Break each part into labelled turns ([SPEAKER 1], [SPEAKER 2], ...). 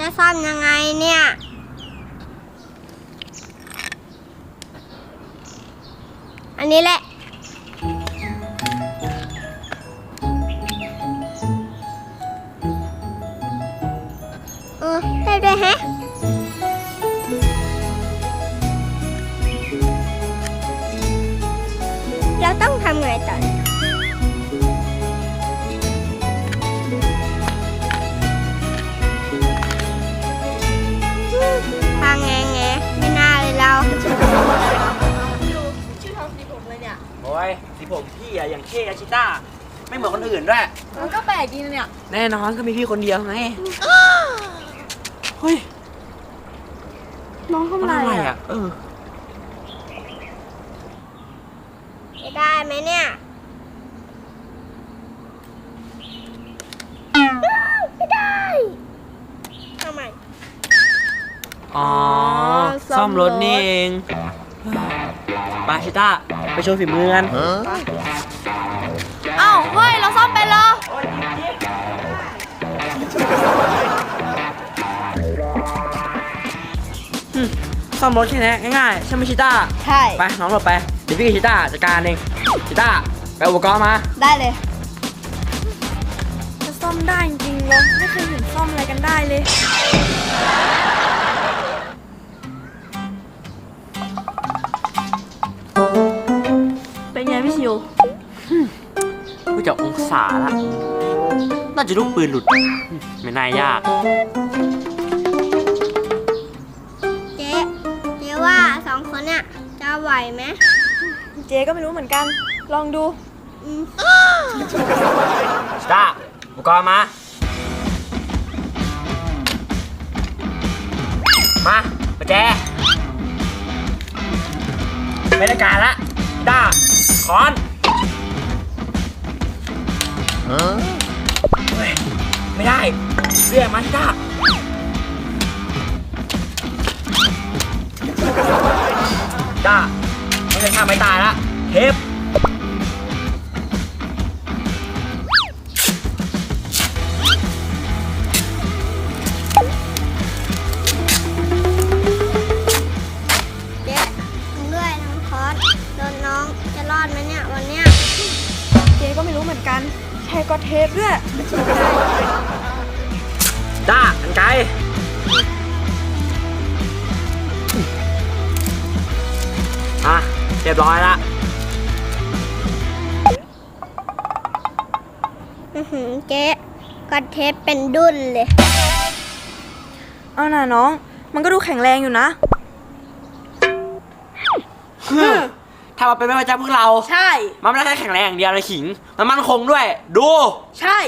[SPEAKER 1] จะซ่อมยังไงเนี่ยอันนี้แหละได้ด้วยฮะเราต้องทำไงต่อทางไงไม่น่าเลยเรา
[SPEAKER 2] ชื่อทำสีผมเลยเนี่ย
[SPEAKER 3] โอ้ยสีผมพี่อะอย่างเท่อาชิต้าไม่เหมือนคนอื่นด้วย
[SPEAKER 2] มันก็แปลกดีนะเนี่ย
[SPEAKER 3] แน่นอนก็มีพี่คนเดียวไงเฮ้ย
[SPEAKER 2] น้องทำอะไรอ่ะ
[SPEAKER 1] จะได้ไหมเนี่ยไม่ได้ทำไม
[SPEAKER 3] อ๋อซ่อมรถนี่เองไปชิต้าไปโชว์ฝีมือกัน
[SPEAKER 2] อ้าวเฮ้ยเราซ่อมเป็นเหรอ
[SPEAKER 3] ซ่อมรถแค่นี้ง่ายๆใช่ไหมชิต้า
[SPEAKER 2] ใช่
[SPEAKER 3] ไปน้องหลบไปเดี๋ยวพี่กับชิต้าจัดการเองชิต้าไปอุปกรณ์มา
[SPEAKER 2] ได้เลยจะซ่อมได้จริงๆเหรอไม่เคยเห็นซ่อมอะไรกันได้เลยเป็นไงพี่ชิว
[SPEAKER 3] ดูจากองศาละน่าจะลูกปืนหลุดไม่น่ายาก
[SPEAKER 1] เจ๊ว่าสองคนเนี่ยจะไหวไหม
[SPEAKER 2] เจ๊ก็ไม่รู้เหมือนกันลองดู
[SPEAKER 3] ชิต้าอุปกรณ์มาประแจไม่ได้การละชิต้าคอนเฮ้ยไม่ได้เรียกมาชิต้าจ้าไม่ใช่ข้าไม่ตายละเทป
[SPEAKER 1] เจ๊ด้วยน้องคอสโดนน้องจะรอดไหมเนี่ยวันเนี้ย
[SPEAKER 2] เจ๊ก็ไม่รู้เหมือนกันใช้ก็เทปด้วย
[SPEAKER 3] จ้ากันไกลเรียบร้อยละ
[SPEAKER 1] เจ๊ก็เทปเป็นดุ้นเลย
[SPEAKER 2] เอาน่ะน้องมันก็ดูแข็งแรงอยู่นะ
[SPEAKER 3] ถ้ามาเป็นแม่พระเจ้าพวกเรา
[SPEAKER 2] ใช่
[SPEAKER 3] มันไม่ได้แค่แข็งแรงอย่างเดียวเลยขิงมันมั่นคงด้วย
[SPEAKER 2] ใช่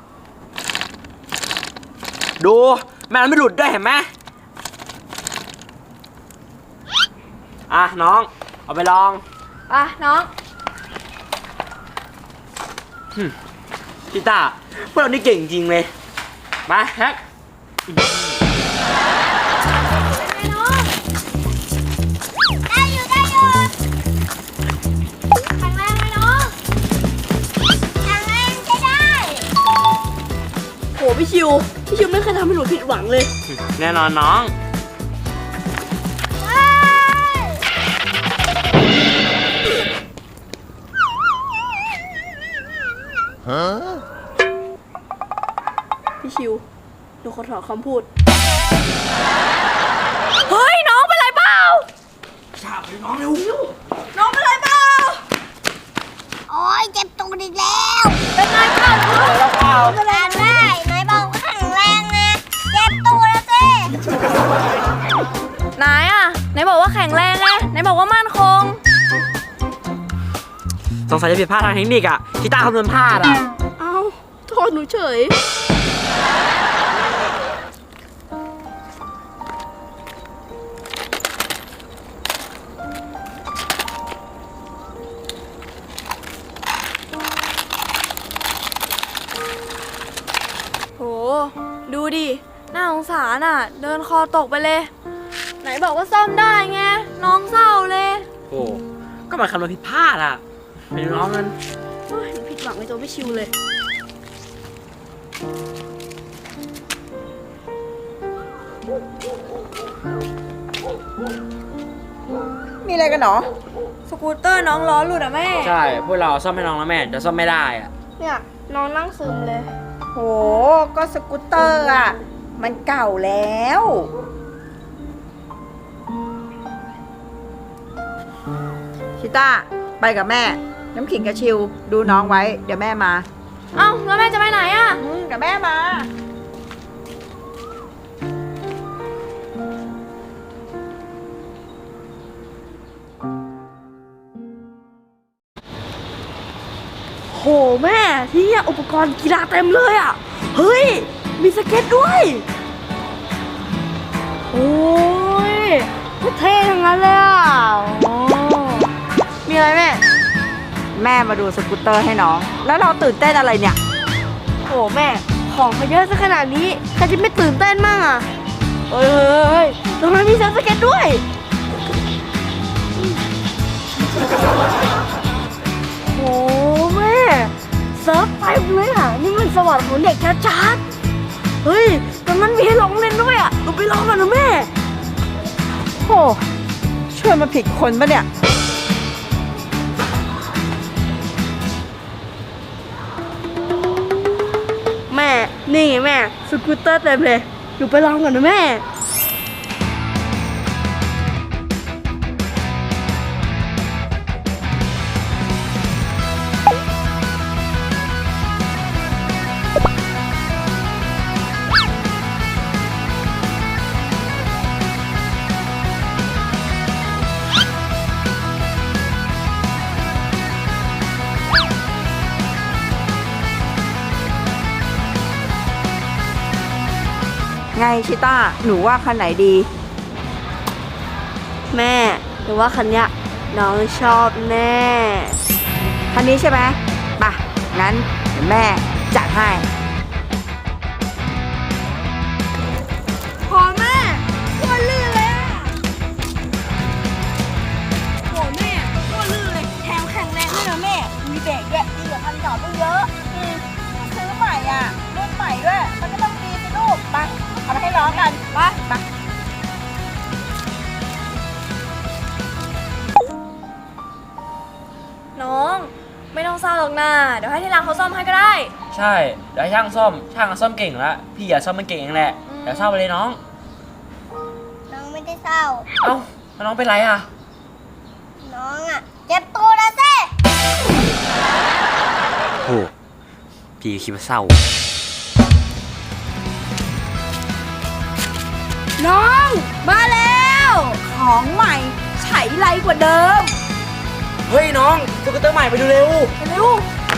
[SPEAKER 3] ดูแม่มันไม่หลุดด้วยเห็นไหมน้องเอาไปลอง
[SPEAKER 2] น้อง
[SPEAKER 3] พี่ต้าพวกเรานี่เก่งจริงเลยมาแฮก
[SPEAKER 1] ได้อยู่แข็งแรงไหมน้องแข็งแรงใช้ได้
[SPEAKER 2] โหพี่ชิวไม่เคยทำให้หนูผิดหวังเลย
[SPEAKER 3] แน่นอนน้อง
[SPEAKER 2] พี่ชิวหนูขอถอนคำพูดเฮ้ยน้องเป็นไรเปล่า
[SPEAKER 3] ชาไปน้องเร็ว
[SPEAKER 2] น้องเป็นไรเปล่า
[SPEAKER 1] โอ๊ยเจ็บตัวอีกแล้ว
[SPEAKER 2] เป็นไรเปล่า
[SPEAKER 1] เป็นไรได้ไหนบอกว่าแข็งแรงไงเจ็บตัวแล้วสิ
[SPEAKER 2] ไหนบอกว่าแข็งแรงไงไหนบอกว่ามั่นคง
[SPEAKER 3] สงสัยจะผิดพลาดทางเทคนิคชิต้าคำนวณพลาด
[SPEAKER 2] เอ้าโทษหนูเฉยโหดูดิน่าสงสารเดินคอตกไปเลยไหนบอกว่าซ่อมได้ไงน้องเศร้าเลย
[SPEAKER 3] โอ้ก็มาคำนวณผิดพลาดไปดูน้องมัน
[SPEAKER 2] ผิดหวังในตัวพี่ชิวเลย
[SPEAKER 4] มีอะไรกันหรอ
[SPEAKER 2] สกูตเตอร์น้องล้อหลุดอะแม่
[SPEAKER 3] ใช่พวกเราซ่อมให้น้องแล้วแม่แต่ซ่อมไม่ได้อะ
[SPEAKER 2] เนี่ยน้องนั่งซึมเลย
[SPEAKER 4] โห ก็สกูตเตอร์อ่ะ มันเก่าแล้ว ชิต้า ไปกับแม่ น้ำขิงกับชิว ดูน้องไว้ เดี๋ยวแม่มา
[SPEAKER 2] เอ้าแล้วแม่จะไปไหนอะ
[SPEAKER 4] กับแม่มา
[SPEAKER 2] โหแม่ที่เนี่ยอุปกรณ์กีฬาเต็มเลยอะเฮ้ยมีสเก็ตด้วยโอ้ยเท่ทั้งนั้นเลยอะโอ้มีอะไรแม่
[SPEAKER 4] แม่มาดูสกูตเตอร์ให้น้อง แล้วเราตื่นเต้นอะไรเนี่ย
[SPEAKER 2] โหแม่ของเขาเยอะซะขนาดนี้ใครจะไม่ตื่นเต้นมั่งอะเฮ้ยตรงนั้นมีเซิร์ฟสเก็ตด้วยโหแม่เซิร์ฟเต็มเลยอะนี่มันสวรรค์ของเด็กชัดๆเฮ้ยตรงนั้นมีให้ลองเล่นด้วยอะเราไปลองกันนะแม่
[SPEAKER 4] โหช่วยมาผิดคนปะเนี่ย
[SPEAKER 2] แม่นี่ไงแม่สกูตเตอร์เต็มเลยหนูไปลองกันนะแม่
[SPEAKER 4] ไงชิต้า หนูว่าคันไหนดี
[SPEAKER 2] แม่หนูว่าคันเนี้ยน้องชอบแน่
[SPEAKER 4] คันนี้ใช่ไหมป่ะ งั้นเดี๋ยวแม่จัดให้
[SPEAKER 2] พอแม่โคตรลื่นเลยอะโหแม่โคตรลื่นเลยแถมแข็งแรงด้วยนะแม่
[SPEAKER 4] มีเบรกด้วยดีกว่าคันเก่าตั้งเยอะซื้อใหม่อ่ะ รุ่นใหม่ด้วย มันก็ต้องดีสิลูก ไป เอามาให้น้องกัน ไป ไป
[SPEAKER 2] น้องไม่ต้องเศร้าหรอกนะเดี๋ยวให้ที่ร้านเขาซ่อมให้ก็ได้
[SPEAKER 3] ใช่เดี๋ยวให้ช่างซ่อมเก่งแล้วพี่อย่าซ่อมมันเก่งเองแหละเดี๋ยวเศร้าไปเลยน้อง
[SPEAKER 1] น้องไม่ได้เศร้า
[SPEAKER 3] เอ้าแล้วน้องเป็นไรอ่ะ
[SPEAKER 1] น้องอ่ะเจ็บตัวแล้วสิ
[SPEAKER 3] โอ้พี่คิดว่าเศร้า
[SPEAKER 4] น้อง มาแล้ว ของใหม่ใช้ไรกว่าเดิม
[SPEAKER 3] เฮ้ยน้องสกูตเตอร์ใหม่ไปดูเร็ว
[SPEAKER 2] เร็ว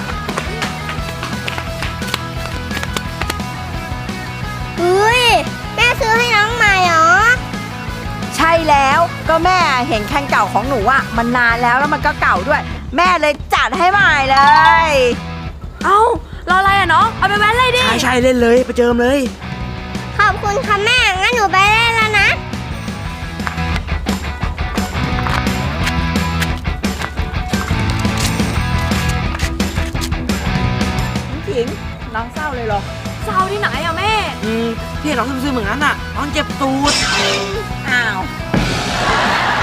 [SPEAKER 1] เฮ้ย แม่ซื้อให้น้องใหม่เหรอ
[SPEAKER 4] ใช่แล้วก็แม่เห็นคันเก่าของหนูอ่ะ มันนานแล้วมันก็เก่าด้วย แม่เลยจัดให้ใหม่เลย
[SPEAKER 2] เอ้ารออะไรอะน้องเอาไปแว้นเลยดิ
[SPEAKER 3] ใช่เล่นเลยไปเจิมเลย
[SPEAKER 1] ขอบคุณค่ะแม่ งั้นหนูไปเล่นแล้วนะ
[SPEAKER 4] ขิงน้องเศร้าเลยเหรอ
[SPEAKER 2] เศร้าที่ไหนอะแม่
[SPEAKER 3] พี่เห็นน้องซึมๆเหมือนนั้นอ่ะน้องเจ็บตูด
[SPEAKER 4] อ้าว